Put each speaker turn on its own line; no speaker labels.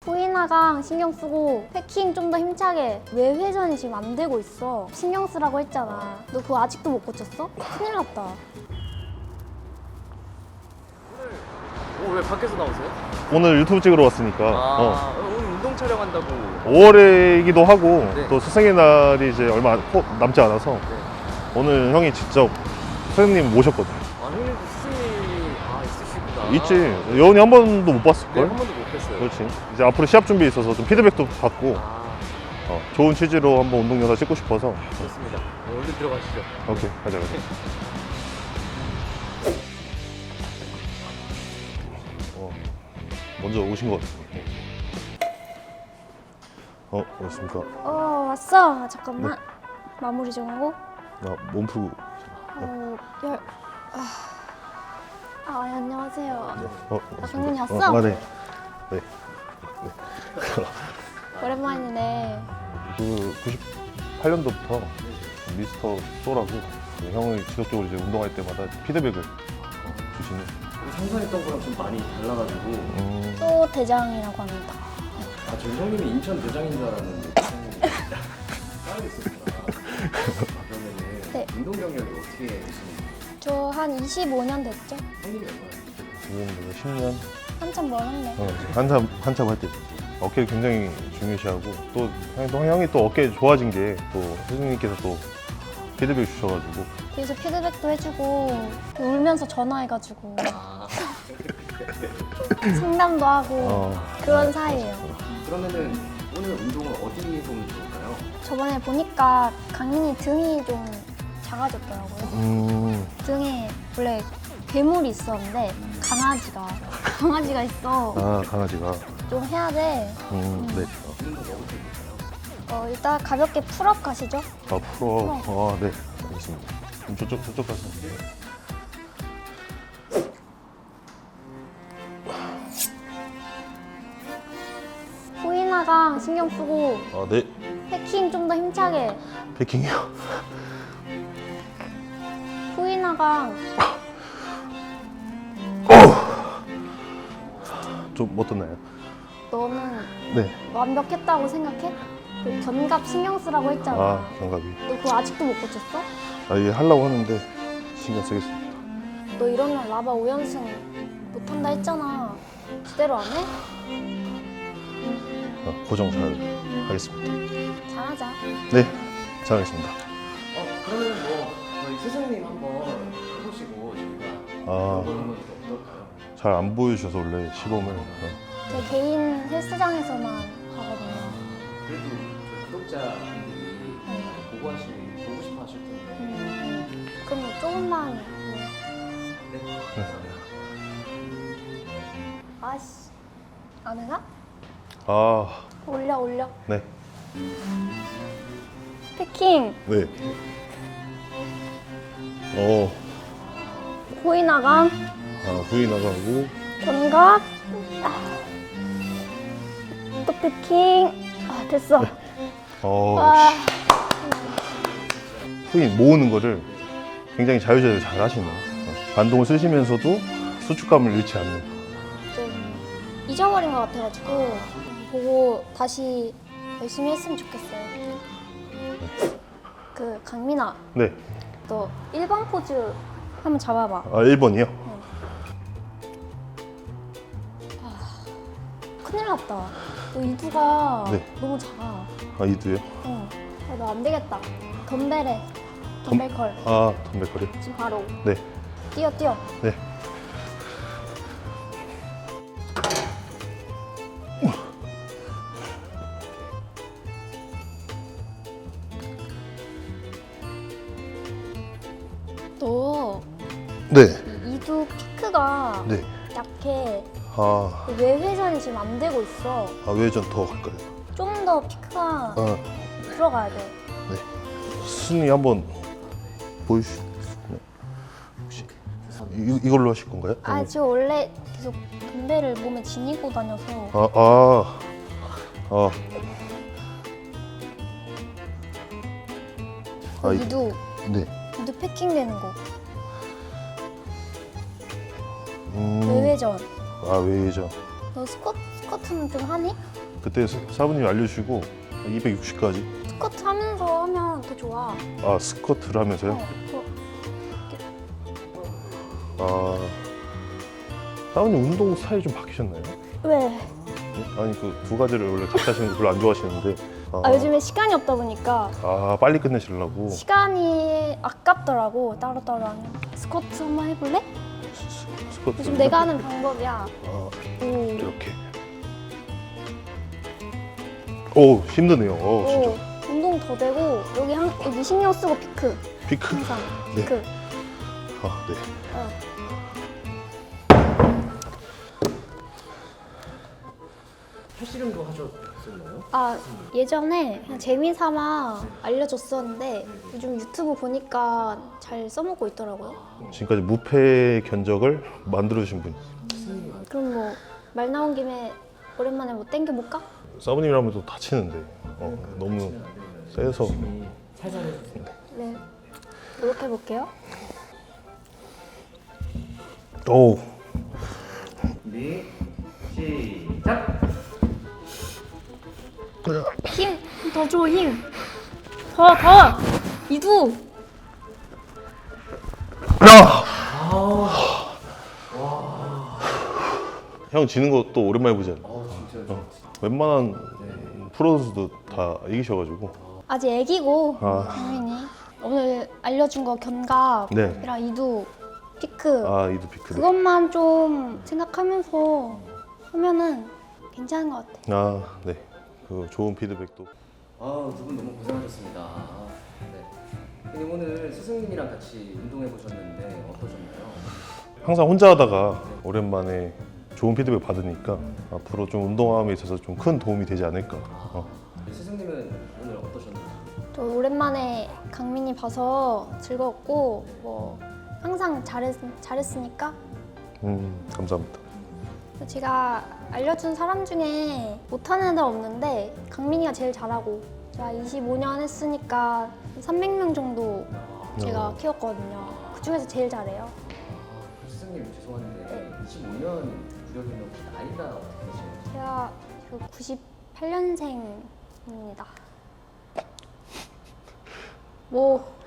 후이나강 신경 쓰고 패킹 좀 더 힘차게. 외회전이 지금 안 되고 있어. 신경 쓰라고 했잖아. 너 그거 아직도 못 고쳤어? 큰일 났다.
왜 밖에서 나오세요?
오늘 유튜브 찍으러 왔으니까
오늘 운동 촬영한다고.
5월이기도 하고
네.
또 스승의 날이 이제 얼마 남지 않아서
네.
오늘 형이 직접 선생님 모셨거든.
형님도 스승님이 있으시구나.
있지. 여운이 한 번도 못
네,
봤을걸?
한 번도 못 뵀어요.
그렇지. 이제 앞으로 시합 준비에 있어서 좀 피드백도 받고
아,
좋은 취지로 한번 운동 영상 찍고 싶어서.
좋습니다. 얼른 들어가시죠.
오케이, 가자. 먼저 오신 것 같아요. 그렇습니까?
왔어. 잠깐만. 마무리 좀 하고.
나 몸 풀고.
안녕하세요.
그렇습니다.
강민이 왔어?
네. 네.
오랜만이네.
그 98년도부터 미스터 소라고 형이 지속적으로 이제 운동할 때마다 피드백을 주시는.
상상했던 거랑 좀 많이 달라가지고
또 대장이라고 합니다.
저 형님이 인천 대장인 줄 알았는데 따르겠습니다. 그러면은
네.
운동 경력이 어떻게 되시는지
저 한 25년 됐죠?
형님이 얼마나
지금 10년
한참 멀었네.
한참 할 때 어깨를 굉장히 중요시하고 또 형이 또 어깨 좋아진 게 또 선생님께서 또 피드백 주셔가지고
그래서 피드백도 해주고 울면서 전화해가지고 상담도 하고 그런 사이예요.
그러면은 오늘 운동을 어디에서 하면 좋을까요?
저번에 보니까 강민이 등이 좀 작아졌더라고요. 등에 원래 괴물이 있었는데 강아지가 있어.
강아지가
좀 해야 돼.
네.
일단 가볍게 풀업 가시죠.
풀어. 네. 알겠습니다. 그럼 저쪽 가서.
후이나강 신경 쓰고
네.
패킹 좀 더 힘차게.
패킹이요.
후이나강
좀 어떻나요?
너는
네.
완벽했다고 생각해? 그 견갑 신경 쓰라고 했잖아.
견갑이.
너 그거 아직도 못 고쳤어?
이게 하려고 하는데 신경 쓰겠습니다.
너 이러면 라바 5연승 못한다 했잖아. 제대로 안 해?
고정 잘 하겠습니다.
잘하자.
네. 잘하겠습니다.
그러면은 저희 스승님 한번 해보시고 저희가 한번 어떨까요?
잘 안 보여주셔서 원래 시범을.
제 개인 헬스장에서만 하거든요.
그래도 저희 구독자분들이 보고 싶어 하실 텐데
그럼 뭐 조금만. 아씨. 안 해나? 올려.
네.
패킹.
네.
후이나강
후이 나가고.
견갑. 또 패킹. 됐어.
후이 모으는 거를 굉장히 자유자재로 잘 하시네요. 반동을 쓰시면서도 수축감을 잃지 않는.
좀 잊어버린 것 같아가지고 보고 다시 열심히 했으면 좋겠어요. 그 강민아,
네.
너 1번 포즈 한번 잡아봐.
1번이요?
큰일 났다. 너 이두가
네.
너무 작아.
이두요?
너 안 되겠다. 덤벨해. 덤벨컬.
덤벨거리?
지금 바로.
네.
뛰어.
네.
너
네.
이두 피크가
네.
약해.
아,
외회전이 지금 안 되고 있어.
외전 더 갈까요?
좀 더 피크가 들어가야 돼.
스님 한번 보여주시나요? 혹시 이걸로 하실 건가요?
지금 원래 계속 덤벨을 몸에 지니고 다녀서. 이두
네.
패킹 되는 거.
음.
외회전.
외전.
너 스쿼트 스쿼트는 좀 하네?
그때 사부님이 알려주시고 260까지.
스쿼트 하면서 하면 더 좋아.
아 스쿼트를 하면서요? 아 사부님 운동 스타일이 좀 바뀌셨나요?
왜?
네? 아니 그 두 가지를 원래 같이 하시는 거 별로 안 좋아하시는데
요즘에 시간이 없다 보니까
아 빨리 끝내시려고
시간이 아깝더라고. 따로따로 하는. 스쿼트 한번 해볼래?
스쿼트
요즘 내가 하는 방법이야.
아,
오.
이렇게 오 힘드네요.
오,
진짜
운동 더 되고 여기 신경 쓰고 피크
피크
항상
네.
피크.
아 네.
어.
팔씨름도 하셨었나요?
아 예전에 그냥 재미삼아 알려줬었는데 요즘 유튜브 보니까 잘 써먹고 있더라고요.
지금까지 무패 견적을 만들어 주신 분.
그럼 뭐 말 나온 김에 오랜만에 뭐 땡겨볼까?
사부님이라면 또 다치는데 너무 세서
살살 해주세요.
네, 노력해볼게요.
오
준비 시작.
힘! 더 줘, 힘! 더! 이두!
형 지는 거 또 오랜만에 보지 않나?
진짜
웬만한 프로 선수도 다 이기셔가지고
아직 애기고
아.
당연히 오늘 알려준 거 견갑이랑
네.
이두, 피크
아 이두 피크를
그것만 좀 생각하면서 하면은 괜찮은 것 같아.
아 네. 그 좋은 피드백도
두 분 너무 고생하셨습니다. 네. 형님 오늘 스승님이랑 같이 운동해 보셨는데 어떠셨나요?
항상 혼자 하다가 오랜만에 좋은 피드백 받으니까 앞으로 좀 운동함에 있어서 좀 큰 도움이 되지 않을까.
스승님은 오늘 어떠셨나요?
또 오랜만에 강민이 봐서 즐거웠고 뭐 항상 잘했으니까
감사합니다.
제가 알려준 사람 중에 못하는 애들 없는데 강민이가 제일 잘하고 제가 25년 했으니까 300명 정도 제가 키웠거든요. 그 중에서 제일 잘해요.
스승님 죄송한데 25년 구력이면 혹시 나이가 어떻게 되시나요?
제가 98년생입니다. 뭐